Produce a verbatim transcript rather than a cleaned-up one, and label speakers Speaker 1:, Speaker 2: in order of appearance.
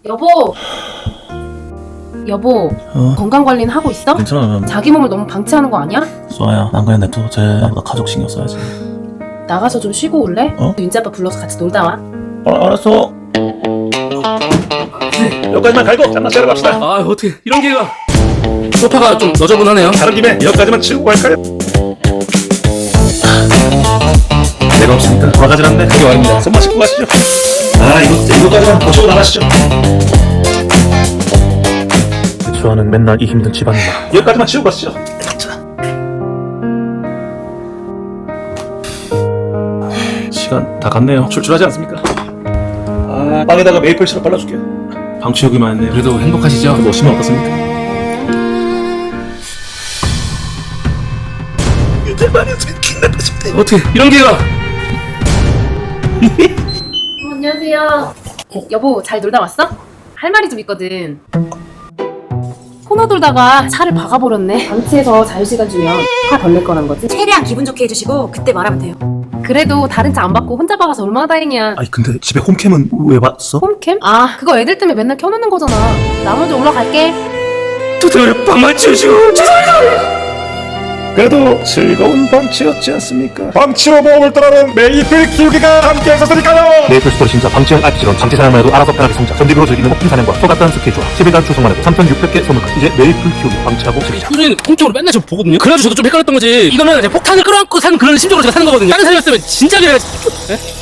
Speaker 1: 여보! 여보,
Speaker 2: 어?
Speaker 1: 건강관리는 하고 있어?
Speaker 2: 괜찮아.
Speaker 1: 자기 몸을 너무 방치하는 거 아니야?
Speaker 2: 수아야, 난 그냥 냅둬도 돼. 나보다 가족 신경 써야지.
Speaker 1: 나가서 좀 쉬고 올래?
Speaker 2: 어?
Speaker 1: 윤지 아빠 불러서 같이 놀다 와.
Speaker 2: 아, 알았어. 여기까지만 갈고 짬낚시 하러 갑시다.
Speaker 3: 아 어떻게 이런 기회가. 소파가 좀 너저분하네요.
Speaker 2: 가는 김에 여기까지만 치우고 갈까요? 내가 없으니까 돌아가질 않네. 그게 말입니다. 손만 씻고 가시죠. 아, 이거, 이거까지만 거치고 나가시죠. 수아는 맨날 이 힘든 집안일만. 여기까지만 치우고 가시죠. 자. 시간 다 갔네요. 출출하지 않습니까? 아, 빵에다가 메이플 시럽 발라줄게요. 방 치우기만 했네요.
Speaker 3: 그래도 행복하시죠?
Speaker 2: 좀 오시면 어떻습니까?
Speaker 3: 어떻게 이런 기회가.
Speaker 1: 어, 안녕하세요. 어, 여보, 잘 놀다 왔어? 할 말이 좀 있거든. 코너 돌다가 차를 박아버렸네. 방치해서 자유시간 주면 화 덜 낼 거란 거지?
Speaker 4: 최대한 기분 좋게 해주시고 그때 말하면 돼요.
Speaker 1: 그래도 다른 차 안 받고 혼자 박아서 얼마나 다행이야.
Speaker 2: 아니 근데 집에 홈캠은 왜 봤어?
Speaker 1: 홈캠? 아, 그거 애들 때문에 맨날 켜놓는 거잖아. 나 먼저 올라갈게.
Speaker 3: 두드려 빵만 치우시고 죄송합니다.
Speaker 2: 그래도 즐거운 방치였지 않습니까? 방치로 모험을 떠나는 메이플 키우기가 함께 하셨으니까요. 메이플 스토리 진짜 방치형 알피지론 방치 사양만 해도 알아서 편하게 성장 전직으로 즐기는 폭풍 사냥과 소갓다한 스케줄와 십 일간 출석만 해도 삼천육백 개 선물까지. 이제 메이플 키우기 방치하고 즐기자.
Speaker 3: 우리는 홈쪽으로 맨날 저 보거든요. 그래가지고 저도 좀 헷갈렸던 거지. 이거는 이제 폭탄을 끌어안고 사는 그런 심정으로 제가 사는 거거든요. 다른 사람이었으면 진작에. 에?